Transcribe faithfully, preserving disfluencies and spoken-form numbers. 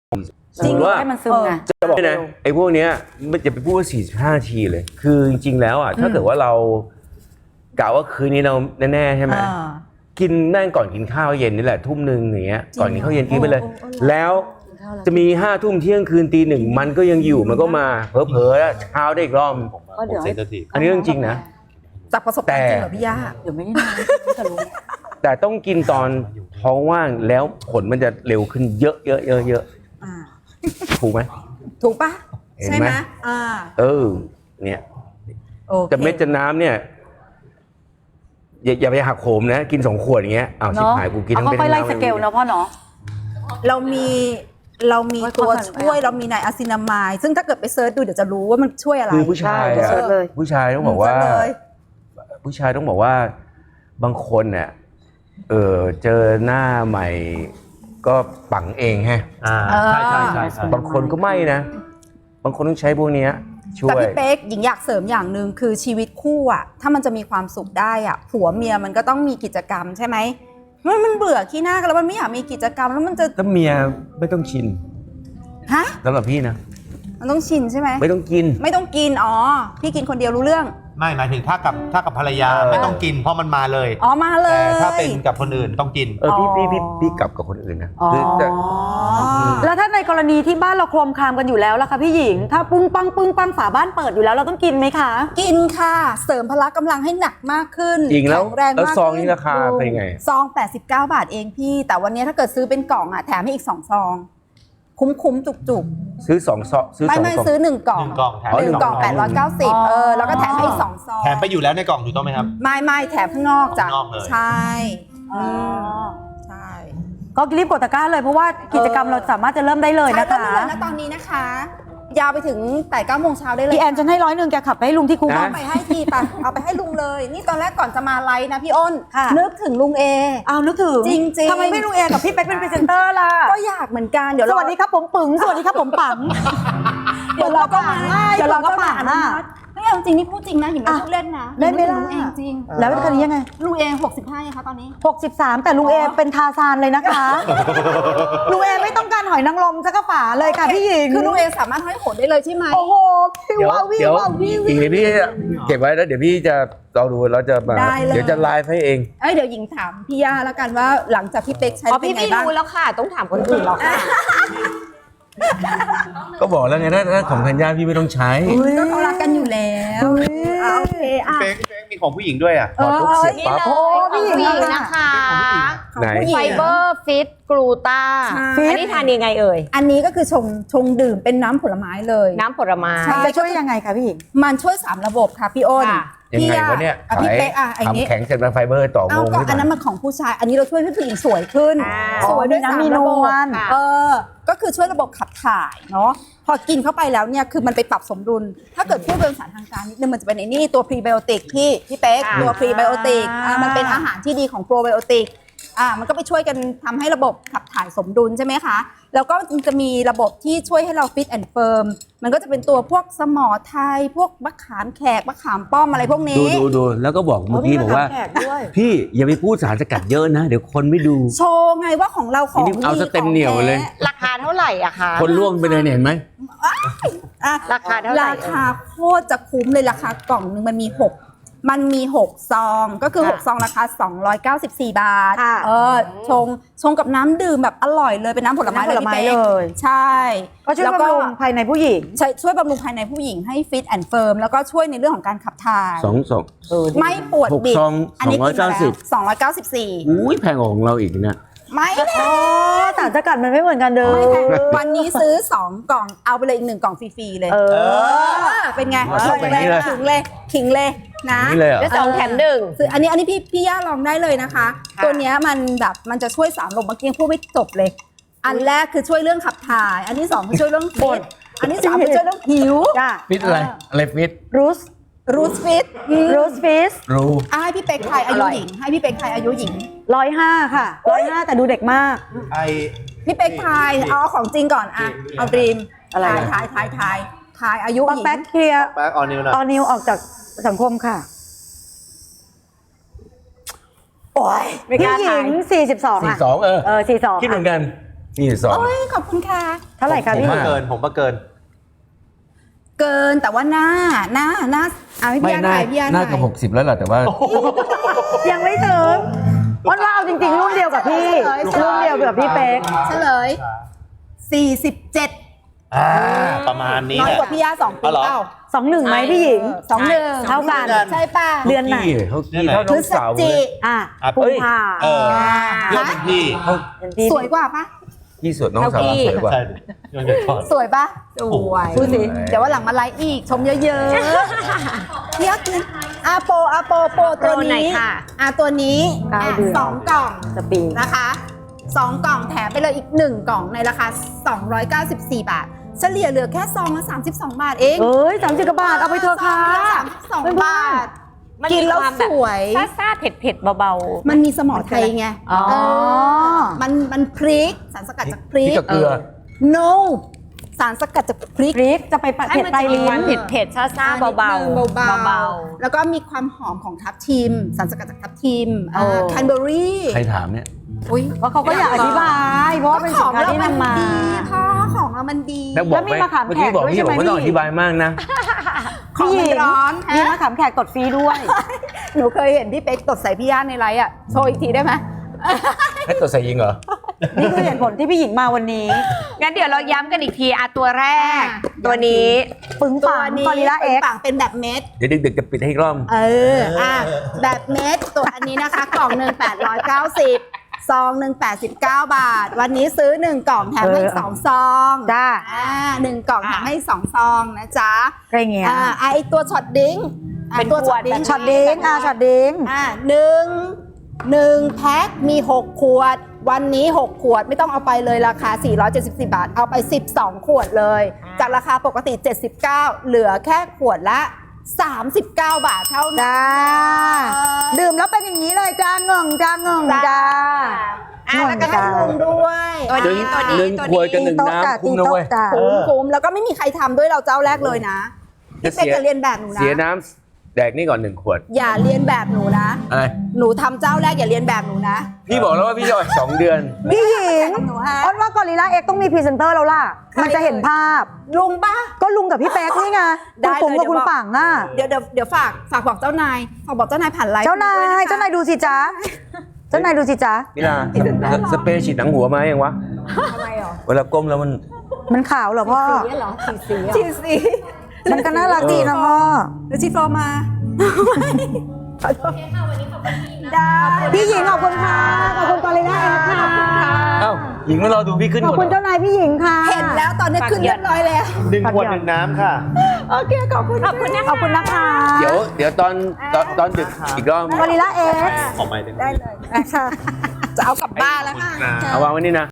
จริงว่าให้มันซึมไงจะบอกนะไอ้พวกเนี้ยมันจะไปพูดว่าสี่สิบห้านาทีเลยคือจริงๆแล้วอ่ะถ้าเกิดว่าเรากะว่าคืนนี้เราแน่ๆใช่ไหมกินแม่งก่อนกินข้าวเย็นนี่แหละทุ่มหนึ่งอย่างเงี้ยก่อนกินข้าวเย็นกินไปเลยแล้วจะมีห้าทุ่มเที่ยงคืนตีหนึ่งมันก็ยังอยู่มันก็มาเผลอๆแล้วเช้าได้อีกรอบอันนี้เรื่องจริงนะจากประสบการณ์จริงเหรอพี่ย่าเดี๋ยวไม่ได้นานแต่ต้องกินตอนท้องว่างแล้วผลมันจะเร็วขึ้นเยอะเยอะเยอะเยอะถูกไหมถูกปะใช่ไหมอ่าเออเนี่ยแต่เม็ดจะน้ำเนี่ยอย่าอย่าไปหักโหมนะกินสองขวดอย่างเงี้ยอ้าวชิบหายกูกินทั้งเป็นค่อยไล่สเกลเนาะพ่อเนาะเรามีเรามีตัวช่วยเรามีไนอะซินามายซึ่งถ้าเกิดไปเซิร์ชดูเดี๋ยวจะรู้ว่ามันช่วยอะไรคือผู้ชายอะผู้ชายต้องบอกว่าผู้ชายต้องบอกว่าบางคนเนี่ยเออเจอหน้าใหม่ก็ปังเองฮะใช่ใช่ใช่บางคนก็ไม่นะบางคนต้องใช้พวกนี้ช่วยแต่พี่เป๊กหญิงอยากเสริมอย่างหนึ่งคือชีวิตคู่อ่ะถ้ามันจะมีความสุขได้อ่ะผัวเมียมันก็ต้องมีกิจกรรมใช่ไหมมันมันเบื่อขี้หน้ากันแล้วมันไม่อยากมีกิจกรรมแล้วมันจะแล้วเมียไม่ต้องชินฮะสำหรับพี่นะมันต้องชินใช่ไหมไม่ต้องกินไม่ต้องกินอ๋อพี่กินคนเดียวรู้เรื่องไม่หมายถึงถ้ากับถ้ากับภรรยาไม่ต้องกินเพราะมันมาเลยอ๋อมาเลยแต่ถ้าเป็นกับคนอื่นต้องกินเออพี่พี่พี่พี่กลับกับคนอื่นนะคือแต่แล้วถ้าในกรณีที่บ้านเราโครมครามกันอยู่แล้วล่ะคะพี่หญิงถ้าปุ้งปังปึ้งปังฝาบ้านเปิดอยู่แล้วเราต้องกินไหมคะกินค่ะเสริมพละกำลังให้หนักมากขึ้นจริงแล้วแล้วซองนี้ราคาเป็นไงซองแปดสิบเก้าบาทเองพี่แต่วันนี้ถ้าเกิดซื้อเป็นกล่องอ่ะแถมให้อีกสองซองคุ้มคุ้มจุกจุกซื้อสองซองซื้อไม่ไม่ซื้อหนึ่งกล่องหนึ่งกล่องแถมหนึ่งกล่องแปดร้อยเก้าสิบเออแล้วก็แถมให้อีกสองซองแถมไปอยู่แล้วในกล่องถูกต้องไหมครับไม่ไม่แถมข้างนอกจ้ะใช่ใช่ก็รีบกดตะกร้าเลยเพราะว่ากิจกรรมเราสามารถจะเริ่มได้เลยนะคะเริ่มได้เลยนะตอนนี้นะคะยาวไปถึงแต่เก้าโมงเช้าได้เลยพี่แอนจะให้ร้อยหนึ่งแกขับไปให้ลุงที่คุกเอาไปให้ทีไปเอาไปให้ลุงเลยนี่ตอนแรกก่อนจะมาไลฟ์นะพี่อ้นนึกถึงลุงเอเอานึกถึงจริงจริงทำไมไม่ลุงเอกับพี่เป๊กเป็นพรีเซนเตอร์ล่ะก็อยากเหมือนกันเดี๋ยวสวัสดีครับผมปึ๋งสวัสดีครับผมปังเดี๋ยวเราก็มาเดี๋ยวเราก็มาอ่ะไม่เอาจริงนี่พูดจริงนะหญิงไม่พูดเล่นนะได้ไหมล่ะลุงเองจริงแล้วเป็นคนนี้ยังไงลุงเอหกสิบห้าคะตอนนี้หกสิบสามแต่ลุงเอเป็นทาซานเลยนะคะลุงเอไม่ต้องการหอยนางรมสักกระฝาเลยค่ะพี่หญิงคือลุงเอสามารถให้โหดได้เลยใช่ไหมโอ้โหพี่ว้าววิวว้าววิวอีกนิดพี่เก็บไว้แล้วเดี๋ยวพี่จะลองดูแล้วจะมาเดี๋ยวจะไลฟ์ให้เองเอ้ยเดี๋ยวหญิงถามพี่ย่าแล้วกันว่าหลังจากพี่เป๊กใช้เป็นไงบ้างพี่รู้แล้วค่ะต้องถามคนอื่นหรอกค่ะก็บอกแล้วไงถ้าถ้าของธัญญาพี่ไม่ต้องใช้ก็เขารักกันอยู่แล้วโอเคอ่ะเป๊กมีของผู้หญิงด้วยอ่ะพอทุกเสร็จปั๊บโอ้ผู้หญิงนะคะไฟเบอร์ฟิตกลูตาอันนี้ทานยังไงเอ่ยอันนี้ก็คือชงชงดื่มเป็นน้ำผลไม้เลยน้ำผลไม้จะช่วยยังไงคะพี่หญิงมันช่วยสามระบบค่ะพี่อ้นยังไงวะเนี่ยพี่เป๊กอ่ะอันนี้แข็งเสร็จมาไฟเบอร์ต่อวงอันนั้นมันของผู้ชายอันนี้เราช่วยให้ผู้หญิงสวยขึ้นสวยด้วยสามระบบเออก็คือช่วยระบบขับถ่ายเนาะพอกินเข้าไปแล้วเนี่ยคือมันไปปรับสมดุลถ้าเกิดพูดเป็นภาษาทางการนิดนึงมันจะเป็นไอ้นี่ตัวพรีไบโอติกพี่พี่เป๊กตัวพรีไบโอติกอ่ามันเป็นอาหารที่ดีของโปรไบโอติกอ่ามันก็ไปช่วยกันทำให้ระบบขับถ่ายสมดุลใช่ไหมคะแล้วก็จะมีระบบที่ช่วยให้เราฟิตแอนด์เฟิร์มมันก็จะเป็นตัวพวกสมอไทยพวกมะขามแขกมะขามป้อมอะไรพวกนี้ดูดูดูแล้วก็บอกเมื่อกี้บอกว่าพี่อย่าไปพูดสารสกัดเยอะนะเดี๋ยวคนไม่ดูโชว์ไงว่าของเราของเอาสเต็มเหนียวเลยราคาเท่าไหร่อะคะคนล่วงไปเลยเห็นไหมราคาเท่าไหร่ราคาโคตรจะคุ้มเลยราคากล่องนึงมันมีหกมันมีหกซองก็คือหกซองราคาสองร้อยเก้าสิบสี่บาทเออชงชงกับน้ำดื่มแบบอร่อยเลยเป็นน้ำผลไม้เลยใช่ก็ช่วยบำรุงภายในผู้หญิงใช่ช่วยบำรุงภายในผู้หญิงให้ฟิตแอนด์เฟิร์มแล้วก็ช่วยในเรื่องของการขับถ่ายสองสองไม่ปวดบิดอันนี้สองร้อยเก้าสิบสองร้อยเก้าสิบสี่อุ้ยแพงของเราอีกนะไม่แพงสารสกัดมันไม่เหมือนกันเด้อวันนี้ซื้อสองกล่องเอาไปเลยอีกหนึ่งกล่องฟรีๆเลยเออเป็นไงขิงเลยขิงเลยนะได้สองแถมหนึ่งซื้ออันนี้อันนี้พี่พี่ย่าลองได้เลยนะคะตัวนี้มันแบบมันจะช่วยสามระบบเมื่อกี้พูดไม่จบเลยอันแรกคือช่วยเรื่องขับถ่ายอันที่สองคือช่วยเรื่องฟิตอันที่สามคือช่วยเรื่องผิวฟิตอะไรอะไรฟิตรูสรูสฟิตรูสฟิตรูให้พี่เป็กไทยอายุหญิงให้พี่เป็กไทยอายุหญิงร้อยห้าค่ะร้อยห้าแต่ดูเด็กมากไอพี่เป็กไทยเอาของจริงก่อนอะเอาดรีมอะไรทายทายทายทายอายุหญิงแป๊กเคลียร์แป๊กออนิวนะออนิวออกจากสังคมค่ะโอ้ยพี่หญิงสี่สิบสองสี่สิบสองเออเออสี่สิบสองคิดเหมือนกันนี่สองโอ้ยขอบคุณค่ะเท่าไหร่คะผมพี่มาเกินผมมาเกินเกินแต่ว่าหน้าหน้าหน้าเอาให้ไม่พี่อาน่าถ่ายพี่อาน่าถ่ายกับหกสิบแล้วแหละแต่ว่ายังไม่ถึงวันว่าเอาจริงๆรุ่นเดียวกับพี่รุ่นเดียวกับพี่เป๊กเฉลยสี่สิบเจ็ดอ่า ประมาณนี้น้อยแหละกว่าพี่อาสองปีอ๋อเหรอเปล่าสองหนึ่งไหมพี่หญิงสองหนึ่งเท่ากันใช่ป่ะเดือนไหนเขากี่เท่าพน้ฤองศสาวเลจิยอ่ะอ่ะกุมภาเออเรื่องเป็นพี่เขาเดือนพี่สวยกว่าปะพี่สุดน้องสาวสวยกว่าใช่เรื่องจะถอดสวยปะสวยพูดสิเดี๋ยววันหลังมาไลฟ์อีกชมเยอะๆพี่อากินอาโปอาโปโปตัวโปรไหนนี้ค่ะอาตัวนี้เก้าอ่ะเดือนสองกล่องสปริงนะคะสองกล่องแถมไปเลยอีกหนึ่งกล่องในราคาสองร้อยเก้าสิบสี่บาทเฉลี่ยเหลือแค่ซองละสามสิบสองบาทเองเอ้ยสามสิบกว่าบาทเอาไปเถอะค่ะสามสิบสองบาทมันกินมีแล้วความสแบบวยซ่าซ่าเผ็ดเผ็ดๆเบามันมีสมอไทยไงอ๋อเออมันมันพริกสารสกัดจากพริพี่กกับเกลือ no สารสกัดจากพริกพริกจะไปปะๆให้เผ็ดมันไปจะมีลิ้ความนเผ็ดเผ็ดๆซ่าซ่าๆเบาๆเบาเบาๆแล้วก็มีความหอมของทับทิม สารสกัดจากทับทิมโอ้แคนเบอรี่ใครถามเนี่ยอุ้ยเพราะเขาก็อยากอธิบายเพราะว่าเป็นสินค้าที่นำมาดีพ่อของเรามันดีแล้วบอกแล้วมีไหมมะขามเมื่อกี้แขกบอกด้วยพี่ใช่บไหมอกไม่ต้องพี่อธิบายมากนะของมันร้อนมีฮะมะขามแขกกดฟรีด้วยหนูเคยเห็นพี่เป๊กตดใส่พี่ย่านในไลฟ์อ่ะ โชว์อีกทีได้ไหมให้ตัวใส่ยิงเหรอนี่คือเหตุผลที่พี่หญิงมาวันนี้ๆงั้นเดี๋ยวเราย้ำกันอีกทีอ่ะตัวแรกอ่ะตัวนี้ปึ้งตัวปังนี้กอริลลาเอ็กปังเป็นแบบเม็ดเดี๋ยวดึกๆจะปิดให้อีกรอบเออ อ่ะ แบบเม็ด ตัวอันนี้นะคะ กล่องหนึ่งแปดร้อยเก้าสิบซองหนึ่งแปดสิบเก้าบาท วันนี้ซื้อหนึ่งกล่องแถมให้สองซองจ้าอ่าหนึ่งกล่องแถมให้สองซองนะจ๊ะอะไรเงี้ยอ่าไอตัวช็อตดิ้งอ่ะเป็นตัวขวดดิ้งช็อตดิ้งอ่ะช็อตดิ้งอ่าหนึ่งหนึ่งแพ็คมีหกขวด วันนี้หกขวดไม่ต้องเอาไปเลยราคาสี่ร้อยเจ็ดสิบสี่บาท เอาไปสิบสองขวดเลย จากราคาปกติเจ็ดสิบเก้าเหลือแค่ขวดละสามสิบเก้าบาทเท่านั้นจ้า ดื่มแล้วเป็นอย่างนี้เลยจ้าเงิงจ้าเงิงจ้าอ่ะแล้วก็ให้ลุงด้วยตัวนี้ตัวนี้หนึ่งตัวขวดกับหนี้นึ่งน้ำคุ้มนะเว้ยจ้าคุ้มคุ้มแล้วก็ไม่มีใครทำด้วยเราเจ้าแรกเลยนะจะพี่เสีเป๊กยจะเรียนแบบหนูนะเสียน้ำแดกนี่ก่อนหนึ่งขวดอย่าเรียนแบบหนูนะอะไรหนูทำเจ้าแรกอย่าเรียนแบบหนูนะพี่บอกแล้วว่าพี่จะอีกสองเดือนพี่หญิงหนูฮะอ้นว่ากอริลลาเอ็กต้องมีพรีเซนเตอร์แล้วล่ะใครมันจะเห็นภาพลุงป่ะก็ลุงกับพี่เป๊กนี่ไงได้คุณเลยปุ๋มกับคุณเดี๋ยวบอกปังอ่ะเดี๋ยวเดี๋ยวเดี๋ยวฝากฝากบอกเจ้านายฝากบอกเจ้านายผ่านไลฟ์เจ้านายด้วยะคะเจ้านายดูสิจ๊ะ เจ้านายดูสิจ๊ะพี่ลาสเปรย์ฉีดหนังหัวมายังวะทำไมหรอเวลาก้มแล้วมันมันขาวเหรอพ่อสีเหรอสีสีชีสีมันก็น่ารักดีนะพ่อหรือชีฟอร์มาได้พี่หญิงขอบคุณค่ะ ขอบคุณกอริลลาเอ็กค่ะเอ้าหญิงมารอดูพี่ขึ้นขอบก่อนคุณเจ้านายพี่หญิงค่ะเห็นแล้วตอนนี้ขึ้นเรียบร้อยแล้วหนึ่งขวดหนึ่งน้ำค่ะโอเคขอบคุณขอบคุณนะคะขอบคุณนะคะเดี๋ยวเดี๋ยวตอนตอนตอนดึกอีกรอบกอริลลาเอ็กออกไปได้ไหมได้เลยนะคะจะเอากลับบ้านแล้วค่ะเอาวางไว้นี่นะ